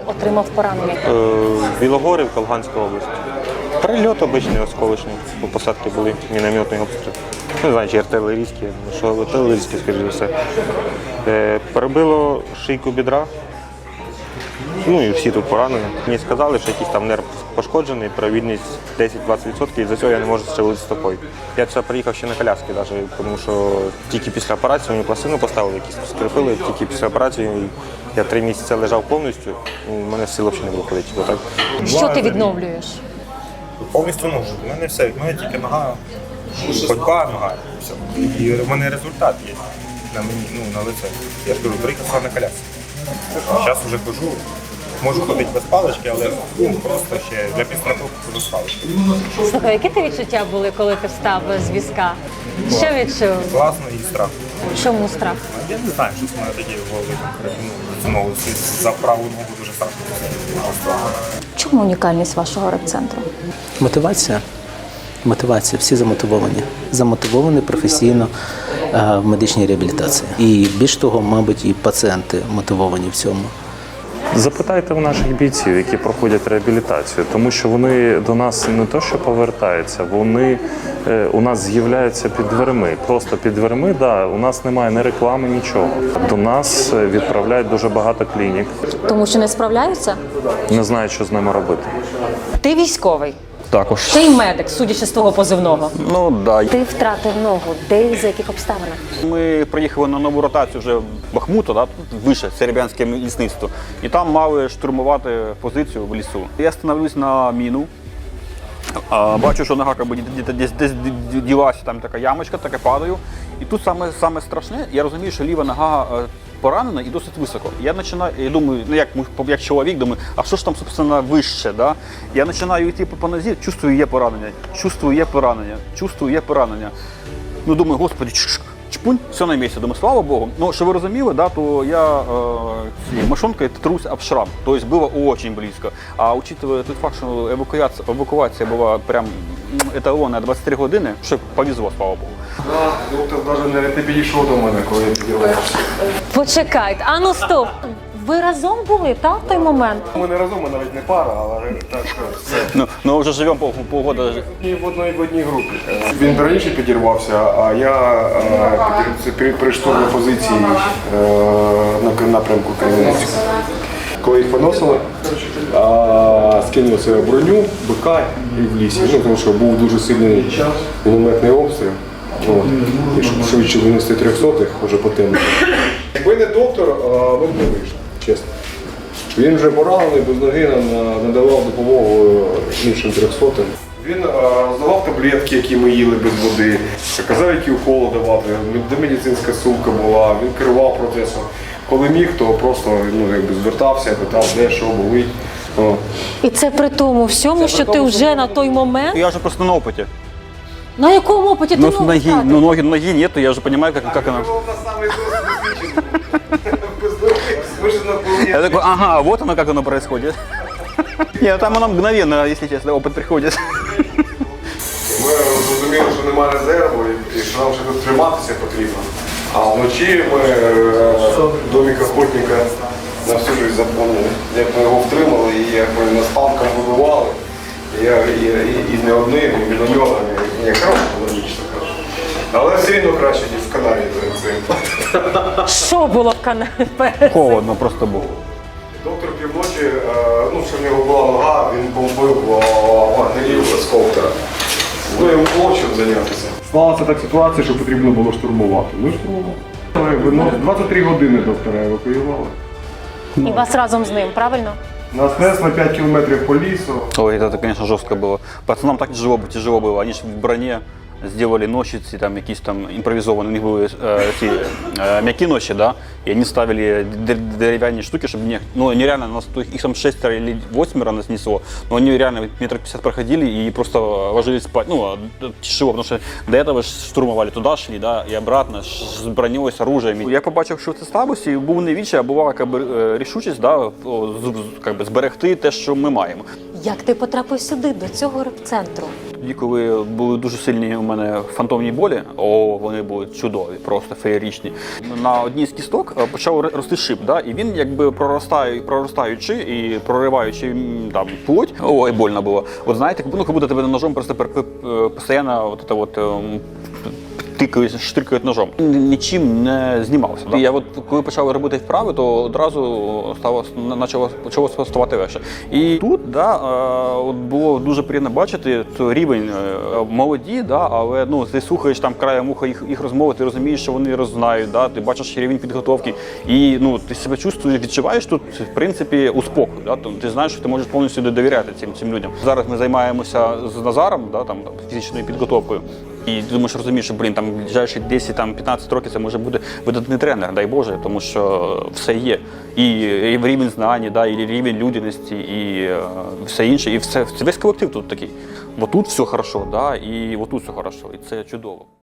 отримав поранення? Білогорівка, Луганська область. Прильот обичний, осколочний. По посадці були мінометний обстріл. Не знаю, чи артилерійські, що артилерійські, скоріше за все. Перебило шийку бідра. Ну і всі тут поранені. Мені сказали, що якийсь там нерв пошкоджений, провідність 10-20%, і за цього я не можу шевелити стопою. Я сюди приїхав ще на коляски, навіть, тому що тільки після операції мені пластину поставили, якісь скріпили, тільки після операції я 3 місяці лежав повністю, у мене сил взагалі не було ходити. Отак. Що ти відновлюєш? Повністю можу. У мене все, в мене тільки нога, ходьба, нога, і все. І в мене результат є на мені, на лице. Я ж кажу, приїхав на колясці. Зараз вже хожу. Можу ходити без палички, але просто ще для підстраховки хожу з палички. Слухай, які ти відчуття були, коли ти встав з візка? Що відчув? Класно і страх. Чому страх? Я не знаю, що в мене тоді в голові знову за праву ногу дуже страшно. Чому унікальність вашого репцентру? Мотивація. Мотивація. Всі замотивовані. Замотивовані професійно в медичній реабілітації. І більш того, мабуть, і пацієнти мотивовані в цьому. Запитайте у наших бійців, які проходять реабілітацію, тому що вони до нас не то що повертаються, вони у нас з'являються під дверми. Просто під дверми, да, у нас немає ні реклами, нічого. До нас відправляють дуже багато клінік. Тому що не справляються? Не знають, що з ними робити. Ти військовий. Також. Ти й медик, судячи з твого позивного. Ну, да. Ти втратив ногу. Де і за яких обставинах? Ми приїхали на нову ротацію вже в Бахмуту, да, вище, Серебрянське лісництво. І там мали штурмувати позицію в лісу. Я становлюсь на міну. Бачу, що нога десь ділася, там така ямочка, таке падаю. І тут саме страшне, я розумію, що ліва нога поранена і досить високо. Я починаю, я думаю, як чоловік, думаю, а що ж там, собственно, вище, да? Я починаю йти по нозі, чувствую, є поранення, чувствую, є поранення, чувствую, є поранення. Ну, думаю, господи, чпунь, все на місці. Думаю, слава Богу. Ну, що ви розуміли, да, то я мошонкой трусь об шрам. Тобто було дуже близько. А учитывая той факт, що евакуація була прям еталонна 23 години, що повезло, слава Богу. Доктор навіть не підійшов до мене, коли я підірвався. Почекайте, а ну стоп. Ви разом були, так, в той момент? Ми не разом, ми навіть не пара, але так все. Ну, вже живемо полгода. І в одній групі. Він раніше підірвався, а я при штурмі позиції на напрямку Кремінського. Коли їх поносили, скинули себе броню, бика і в лісі. Ну, тому що був дуже сильний мінометний обстріл. І щоб швидше винести 300-х, вже по темі. Якби не доктор, ми б не вийшли, чесно. Він вже поранений, без ноги надавав допомогу іншим 300-м. Він роздавав таблетки, які ми їли без води, казав, які уколи давати, де медицинська сумка була, він керував процесом. Коли міг, то просто звертався, питав, де, що болить. І це при тому всьому, що ти вже на той момент... Я вже просто на опиті. На якому опиті ти ногу втратив? Ноги нету, я вже розумію, як вона. Я такой, ага, вот оно, как оно происходит. Нет, там оно мгновенно, если честно, опыт приходит. Ми зрозуміли, що немає резерву і що нам ще тут триматися потрібно. А вночі ми домик охотника на всю життя запомнили. Як ми його втримали, і як ми нас танком вибивали, і не одним, і мінометами, і не краще було нічно. Але все одно краще, ніж в Канаді перед цим. Що було в Канаді? Холодно просто було. Доктор півночі, що в нього була нога, він бомбив вагнерів з коптера. Ну, йому було чим зайнятися. Сталася так ситуація, що потрібно було штурмувати. Ми штурмували. 23 години доктора евакуювали. І вас разом з ним, правильно? Нас нес на 5 кілометрів по лісу. Ой, это, конечно, жестко было. Пацанам так тяжело было. Они же в броне сделали ночиці, там якісь там імпровізовані, у них були ці м'які ночі, да? І вони ставили дерев'яні штуки, щоб нереально, нас їх там 6 или 8 нас несло, но они реально метров 50 проходили и просто ложились спать, тяжело, потому что до этого штурмовали, туда шли, да, и обратно, с броней, с оружием. Я побачив, що це слабості, був не відчай, а була рішучість, да, зберегти те, що ми маємо. Як ти потрапив сюди, до цього репцентру? тоді, коли були дуже сильні у мене фантомні болі, вони були чудові, просто феєричні. На одній з кісток почав рости шип, да? І він якби проростаючи і прориваючи там плоть, ой, больно було. От знаєте, ну, як будто тебе ножом просто постійно штрикають ножом. Нічим не знімався. Да? Я от, коли почав робити вправи, то одразу почало ставати легше. І тут от було дуже приємно бачити рівень молоді, але ну, ти слухаєш там краєм уха їх розмови, ти розумієш, що вони роззнають, ти бачиш рівень підготовки. І ну, ти себе відчуваєш тут, в принципі, у спокою. Ти знаєш, що ти можеш повністю довіряти цим людям. Зараз ми займаємося з Назаром, там, фізичною підготовкою. І ти думаєш, розумієш, що, там, ближайші 10-15 років це може бути видатний тренер, дай Боже, тому що все є. І рівень знань, і рівень людяності, і все інше. І весь колектив тут такий. Отут все хорошо, і отут все хорошо. І це чудово.